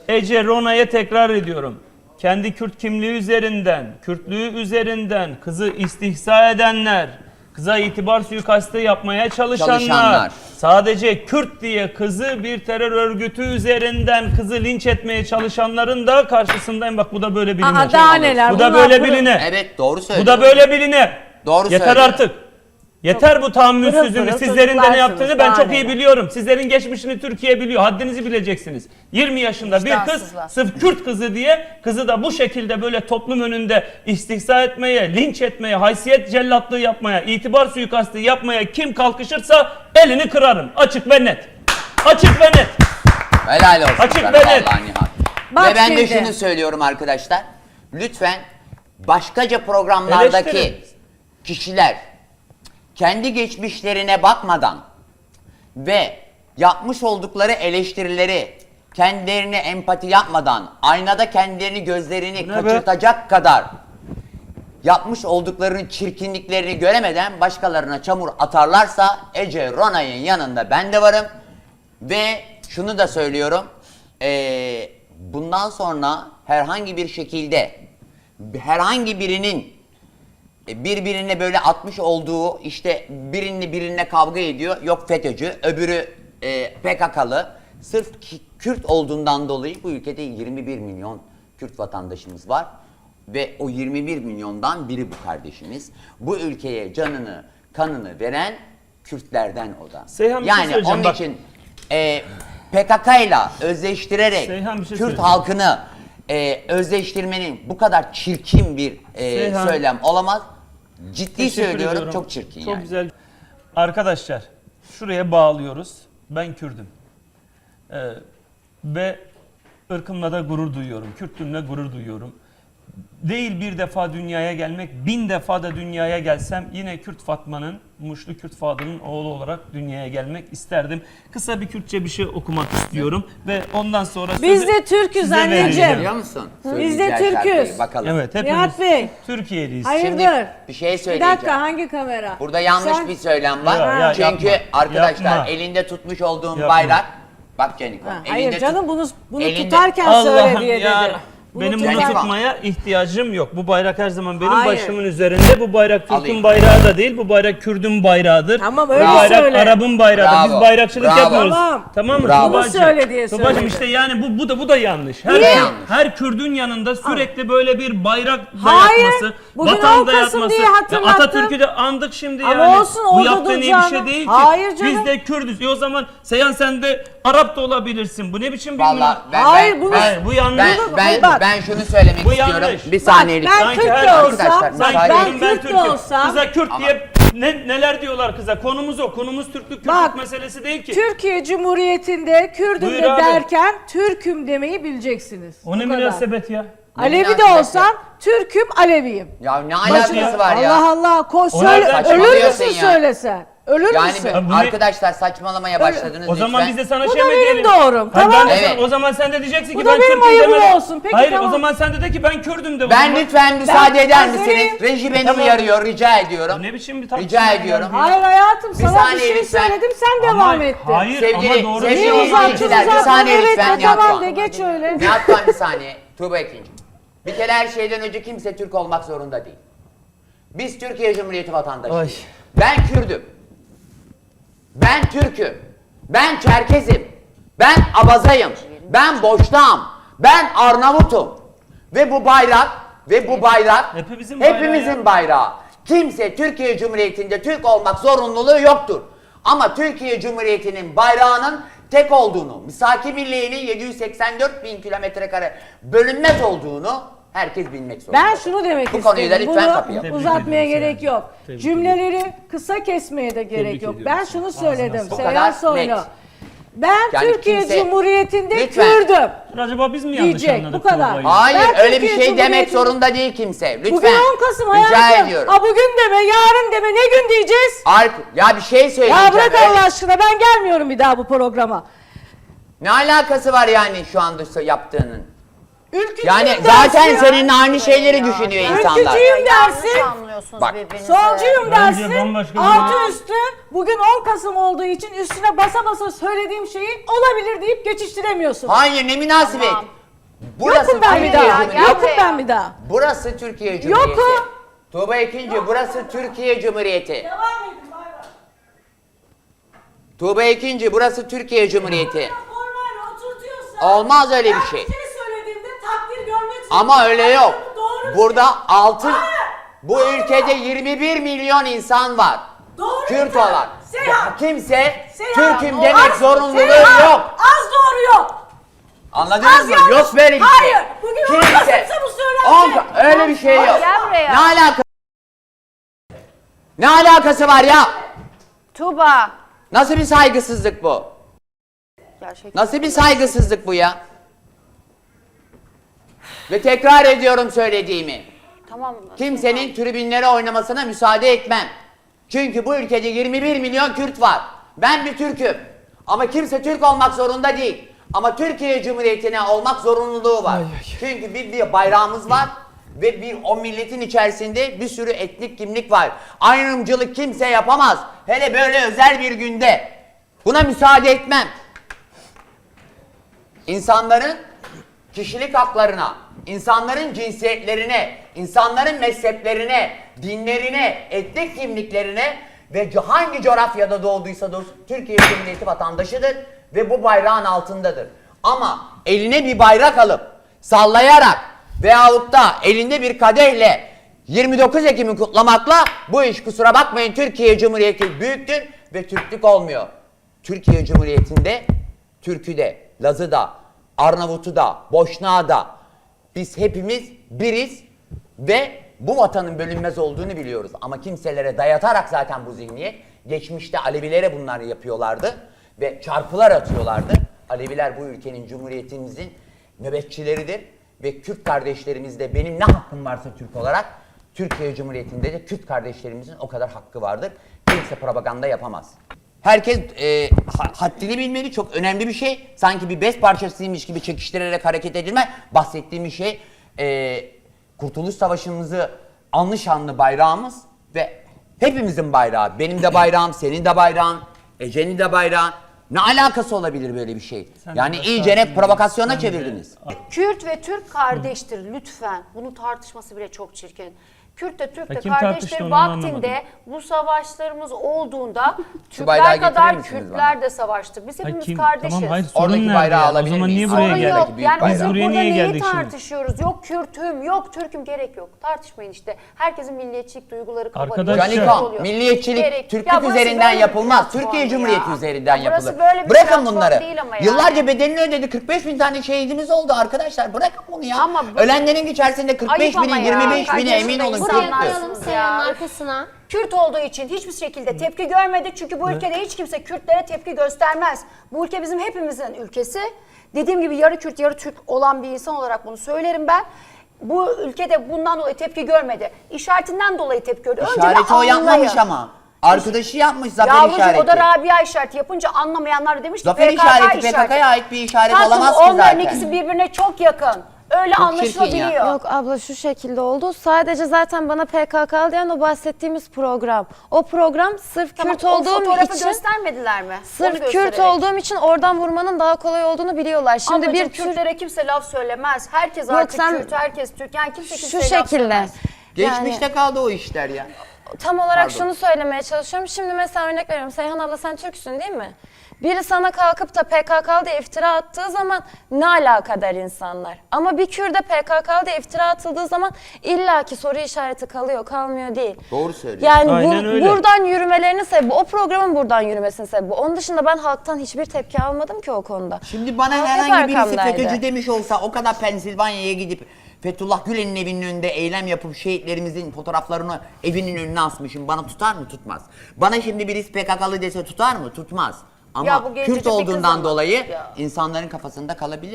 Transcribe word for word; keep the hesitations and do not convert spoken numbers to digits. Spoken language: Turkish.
Ece Rona'ya tekrar ediyorum. Kendi Kürt kimliği üzerinden, Kürtlüğü üzerinden kızı istihza edenler, kıza itibar suikastı yapmaya çalışanlar, Çalışanlar. sadece Kürt diye kızı bir terör örgütü üzerinden kızı linç etmeye çalışanların da karşısındayım. Bak bu da böyle biline. Aa, daha neler? Bu da Bunlar böyle pırıl- biline. Evet, doğru Bu söylüyor. da böyle biline. Doğru Yeter söylüyor. artık. Yeter bu tahammülsüzlüğünüz. Pırıl pırıl Sizlerin de ne çocuklarsınız, yaptığını ben daha çok iyi neler. biliyorum. Sizlerin geçmişini Türkiye biliyor. Haddinizi bileceksiniz. yirmi yaşında bir kız Vicdansızlar. sırf Kürt kızı diye kızı da bu şekilde böyle toplum önünde istihza etmeye, linç etmeye, haysiyet cellatlığı yapmaya, itibar suikastı yapmaya kim kalkışırsa elini kırarım. Açık ve net. Açık ve net. Helal olsun Açık sana ve net. vallahi Nihat. Bak Ve ben de şimdi. şunu söylüyorum arkadaşlar. Lütfen başkaca programlardaki Eleştirin. kişiler kendi geçmişlerine bakmadan ve yapmış oldukları eleştirileri kendilerine empati yapmadan aynada kendilerini gözlerini Bu ne be? kaçırtacak kadar yapmış olduklarının çirkinliklerini göremeden başkalarına çamur atarlarsa Ece Rona'nın yanında ben de varım. Ve şunu da söylüyorum. eee, bundan sonra herhangi bir şekilde herhangi birinin birbirine böyle atmış olduğu işte birini birine kavga ediyor. Yok FETÖ'cü, öbürü e, P K K'lı. Sırf ki, Kürt olduğundan dolayı bu ülkede yirmi bir milyon Kürt vatandaşımız var. Ve o yirmi bir milyondan biri bu kardeşimiz. Bu ülkeye canını, kanını veren Kürtlerden o da. Seyhan, bir şey yani söyleyeceğim, onun bak. için e, P K K'yla özleştirerek Seyhan, bir şey Kürt söyleyeceğim. halkını e, özleştirmenin bu kadar çirkin bir e, Seyhan. söylem olamaz. Ciddi Teşekkür söylüyorum, ediyorum. çok çirkin Çok yani. güzel. Arkadaşlar şuraya bağlıyoruz. Ben Kürdüm. Ee, ve ırkımla da gurur duyuyorum. Kürtlüğümle gurur duyuyorum. Değil bir defa dünyaya gelmek, bin defa da dünyaya gelsem yine Kürt Fatma'nın, Muşlu Kürt Fadı'nın oğlu olarak dünyaya gelmek isterdim. Kısa bir Kürtçe bir şey okumak istiyorum ve ondan sonra Biz sözü de Türk'üz size anneciğim. vereceğim. Biliyor musun? Biz de Söyleyeceği Türk'üz. şarkıyı, bakalım. Evet, hepimiz Nihat Bey. Türkiye'liyiz. Hayırdır? bir şey Bir söyleyeceğim. dakika, hangi kamera? Burada yanlış Sen- bir söylem var. Ya, ya, Çünkü yapma, arkadaşlar yapma. elinde tutmuş olduğum Yapma. bayrak. Bak Canikom. Ha, elinde hayır tut- canım bunu bunu elinde- tutarken söyle Allah'ım diye ya. dedi. Bunu Benim bunu tutar- tutmaya ihtiyacım yok. Bu bayrak her zaman benim Hayır. başımın üzerinde. Bu bayrak Türk'ün Alayım. bayrağı da değil. Bu bayrak Kürd'ün bayrağıdır. Tamam, Bu öyle bayrak söyle. Arap'ın bayrağıdır. Bravo, Biz bayrakçılık bravo. yapmıyoruz. Tamam. Tamam mı? Bravo. Bunu Tuba'cığım? söyle diye Tuba'cığım söyledi. işte yani bu bu da bu da yanlış. Her Niye? her Kürdün yanında sürekli böyle bir bayrak Hayır. dayatması, Bugün vatan on Kasım dayatması. diye Ya hatırlattım. Atatürk'ü de andık şimdi Ama yani. olsun, Bu orada yaptığın iyi bir duracağını. şey değil ki. Hayır canım. Biz de Kürdüz. E o zaman Seyhan sen de Arap da olabilirsin. Bu ne biçim bir Vallahi ben, Hayır, ben, bunu- ben, Hayır, bu yanlış. ben, ben, Hayır, bak. ben şunu söylemek Bu istiyorum. yanlış. Bir saniye Bak, lütfen. ben Kürt Sanki de her- olsam, Arkadaşlar, Sanki müsaade ben benim edin. ben Kürt de Türk'üm. olsam- Kıza Kürt Ama- diye ne, neler diyorlar kıza. Konumuz o. Konumuz Türklük, Kürtlük Bak, meselesi değil ki. Türkiye Cumhuriyeti'nde Kürdüm Buyur de abi. derken Türküm demeyi bileceksiniz. O ne Bu kadar. münasebet ya? Alevi de münasebet olsam Türküm, Aleviyim. Ya ne alakası ya. var ya? Allah Allah, ko söyle, nereden ölür saçmalıyorsun müsün ya? söylesen? Ölür Yani müsün? ben- bu ne- arkadaşlar saçmalamaya başladınız O zaman lütfen. biz de sana Bu şey da mi benim diyelim? doğrum, Hayır, tamam. ben de Evet. sana- o zaman sen de diyeceksin Bu ki da ben benim Türk'üm ayıbım deme. olsun. Peki, Hayır tamam. o zaman sen de de ki ben Kürdüm de. o Ben zaman. lütfen müsaade eder Azeriyim. misiniz? Reji beni Tamam. uyarıyor, rica ediyorum. Bu ne biçim bir tartışma Rica ya? ediyorum. Hayır hayatım, Bir sana bir saniye şey lütfen. söyledim, sen Ama devam ettin. Hayır Sevgili- ama doğru sevgili Niye değil. uzattın izleyiciler, bir uzattın? saniye Evet, lütfen, ha, Nihat tamam Doğan. de geç öyle. Nihat Doğan bir saniye. Tuğba Ekinci. Bir kere her şeyden önce kimse Türk olmak zorunda değil. Biz Türkiye Cumhuriyeti vatandaşıyız. Ay. Ben Kürdüm. Ben Türk'üm. Ben Çerkezim. Ben Abazayım. Ben Boşnağım. Ben Arnavut'um. Ve bu bayrak ve bu bayrak Hepimizin bayrağı hepimizin ya. bayrağı. Kimse Türkiye Cumhuriyeti'nde Türk olmak zorunluluğu yoktur. Ama Türkiye Cumhuriyeti'nin bayrağının tek olduğunu, misaki birliğinin yedi yüz seksen dört bin kilometre kare bölünmez olduğunu herkes bilmek zorunda. Ben şunu demek Bu konuyu da istedim. lütfen Bunu kapayalım. Tebrik uzatmaya ediyoruz gerek yani. yok. Tebrik Cümleleri kısa kesmeye de gerek Tebrik yok. ediyoruz. Ben şunu Ağzına söyledim. sağlık. Bu Seyhan kadar Soylu. net. Ben Yani Türkiye kimse- Cumhuriyeti'nde Lütfen. Kürdüm. Acaba biz mi yanlış Diyecek, anladık bu kadar. Tuğba'yı? Hayır Ben öyle bir Türkiye şey demek Cumhuriyeti- zorunda değil kimse. Lütfen. Bugün on Kasım Rica hayatım. ediyorum. Ha bugün deme, yarın deme, ne gün diyeceğiz? Ark, ya bir şey söyleyeceğim. Ya bırak öyle- Allah aşkına, ben gelmiyorum bir daha bu programa. Ne alakası var yani şu anda yaptığının? Ülkücüyüm Yani dersin zaten ya. senin aynı şeyleri düşünüyor insanlar. Ülkücüyüm dersin. Yanlış anlıyorsunuz Bak. birbirinizi. Solcuyum Bence dersin. bambaşka bir- Artı üstü bugün on Kasım olduğu için üstüne basa basa söylediğim şeyi olabilir deyip geçiştiremiyorsun. Hayır ne münasebet. Tamam. Burası Yokum ben bir Türkiye daha. Cumhuriyeti. Yokum ben bir daha. Burası Türkiye Cumhuriyeti. Yokum. Tuğba ikinci, burası Türkiye Cumhuriyeti. Devam edin bay bay. Tuğba ikinci, burası Türkiye Cumhuriyeti. Normal oturtuyorsa. Olmaz öyle bir şey. Ben bir şey söylediğimde takdir görmek için. Ama öyle yok. Doğru bir Burada şey. altı, Hayır. bu ülkede yirmi bir milyon insan var. Doğru Kürt bir şey. olan. Seyhan. Ya kimse Seyhan, Türk'üm o demek az- zorunluluğu Seyhan, yok. Az doğru yok. Anladınız Az mı? yanlış. Yok böyle bir şey. Hayır. Bugün on Kasım'sa bu söylenecek. On- öyle bir şey yok. Gel buraya. Ne alakası? Ne alakası var ya? Tuğba. Nasıl bir saygısızlık bu? Gerçekten. Nasıl bir saygısızlık bu ya? Ve tekrar ediyorum söylediğimi. Tamam. Kimsenin tribünlere oynamasına müsaade etmem. Çünkü bu ülkede yirmi bir milyon Kürt var. Ben bir Türk'üm. Ama kimse Türk olmak zorunda değil. Ama Türkiye Cumhuriyeti'ne olmak zorunluluğu var. Çünkü bir, bir bayrağımız var ve bir o milletin içerisinde bir sürü etnik kimlik var. Ayrımcılık kimse yapamaz. Hele böyle özel bir günde. Buna müsaade etmem. İnsanların kişilik haklarına, insanların cinsiyetlerine, insanların mezheplerine, dinlerine, etnik kimliklerine ve co- hangi coğrafyada doğduysa doğsun Türkiye Cumhuriyeti vatandaşıdır ve bu bayrağın altındadır. Ama eline bir bayrak alıp sallayarak veyahut da elinde bir kadehle yirmi dokuz Ekim'i kutlamakla bu iş kusura bakmayın Türkiye Cumhuriyeti büyüktür ve Türklük olmuyor. Türkiye Cumhuriyeti'nde Türk'ü de, Laz'ı da, Arnavut'u da, Boşnağı da biz hepimiz biriz ve bu vatanın bölünmez olduğunu biliyoruz. Ama kimselere dayatarak zaten bu zihniyet, geçmişte Alevilere bunlar yapıyorlardı ve çarpılar atıyorlardı. Aleviler bu ülkenin, cumhuriyetimizin nöbetçileridir ve Kürt kardeşlerimiz de benim ne hakkım varsa Türk olarak Türkiye Cumhuriyeti'nde de Kürt kardeşlerimizin o kadar hakkı vardır. Kimse propaganda yapamaz. Herkes e, ha- haddini bilmeli, çok önemli bir şey. Sanki bir bez parçasıymış gibi çekiştirerek hareket edilme. Bahsettiğim bir şey e, Kurtuluş Savaşımızı anlı şanlı bayrağımız ve hepimizin bayrağı. Benim de bayrağım, senin de bayrağın, Ece'nin de bayrağı. Ne alakası olabilir böyle bir şey? Sen de Yani başka iyice ne hakkında provokasyona bence- çevirdiniz. Kürt ve Türk kardeştir lütfen. Bunun tartışması bile çok çirkin. Kürt de Türk de Ya kim tartıştı kardeştir onu vaktinde anlamadım. bu savaşlarımız olduğunda bayrağı Türkler kadar getirir misiniz Kürtler de savaştı. Biz Ha, hepimiz kim- kardeşiz. Tamam hayır sorun Oradaki nerede bayrağı ya? O alabilir zaman niye miyiz? buraya Sorun Oradaki yok. geldik? büyük Yani bayrağı. biz Biz buraya burada niye neyi geldik şimdi? tartışıyoruz? Yok Kürt'üm, yok Türk'üm gerek yok. Tartışmayın işte. Herkesin milliyetçilik duyguları kabarıyor. Arkadaşlar- Şey Canikon, oluyor. milliyetçilik Gerek- Türklük Ya burası üzerinden böyle bir yapılmaz. platform Türkiye ya. Cumhuriyeti üzerinden Ya burası yapılır. böyle bir Bırakın platform bunları. değil ama yani. Yıllarca bedelini ödedi. kırk beş bin tane şehidimiz oldu arkadaşlar. Bırakın bunu ya. Ama bu- Ölenlerin içerisinde kırk beş Ayıp ama binin, ya. yirmi beş Kaç bini emin olun yaşındayız? Kürttü. Buraya Koyalım Seyhan'ın arkasına. Kürt olduğu için hiçbir şekilde tepki görmedi. Çünkü bu ülkede hiç kimse Kürtlere tepki göstermez. Bu ülke bizim hepimizin ülkesi. Dediğim gibi yarı Kürt yarı Türk olan bir insan olarak bunu söylerim ben. Bu ülkede bundan dolayı tepki görmedi. İşaretinden dolayı tepki gördü. Önce bir İşareti o yapmamış anlayın. ama. Arkadaşı yapmış zafer Yavrucuğum işareti. o da Rabia işareti yapınca anlamayanlar da demiş ki Zafer P K K işareti P K K'ya ait bir işaret Tatlım, olamaz ki onların zaten. ikisi birbirine çok yakın. Öyle Çok anlaşılabiliyor. çirkin ya. Yok abla şu şekilde oldu. Sadece zaten bana P K K diyen o bahsettiğimiz program. O program sırf Tamam, Kürt o olduğum fotoğrafı için göstermediler mi? Onu sırf Kürt göstererek. olduğum için oradan vurmanın daha kolay olduğunu biliyorlar. Şimdi Ablacığım, bir Türk Kürtlere kimse laf söylemez. Herkes Yok, artık sen- Kürt, herkes Türk. Yani kimse şu kimseye laf şekilde. söylemez. Geçmişte Yani- kaldı o işler ya. Tam olarak Pardon. şunu söylemeye çalışıyorum. Şimdi mesela örnek veriyorum. Seyhan abla sen Türksün değil mi? Biri sana kalkıp da P K K diye iftira attığı zaman ne alakadar insanlar. Ama bir Kürt'e P K K diye iftira atıldığı zaman illaki soru işareti kalıyor, kalmıyor değil. Doğru söylüyorsun. Yani bu- Aynen öyle. buradan yürümelerinin sebebi, o programın buradan yürümesinin sebebi. Onun dışında ben halktan hiçbir tepki almadım ki o konuda. Şimdi bana Halk herhangi hep birisi arkamdaydı. FETÖ'cü demiş olsa o kadar Pensilvanya'ya gidip Fethullah Gülen'in evinin önünde eylem yapıp şehitlerimizin fotoğraflarını evinin önüne asmışım. Bana tutar mı? Tutmaz. Bana şimdi birisi P K K'lı dese tutar mı? Tutmaz. Ama Ya bu gencecik Kürt bir kız olduğundan ama. dolayı Ya. insanların kafasında kalabilir.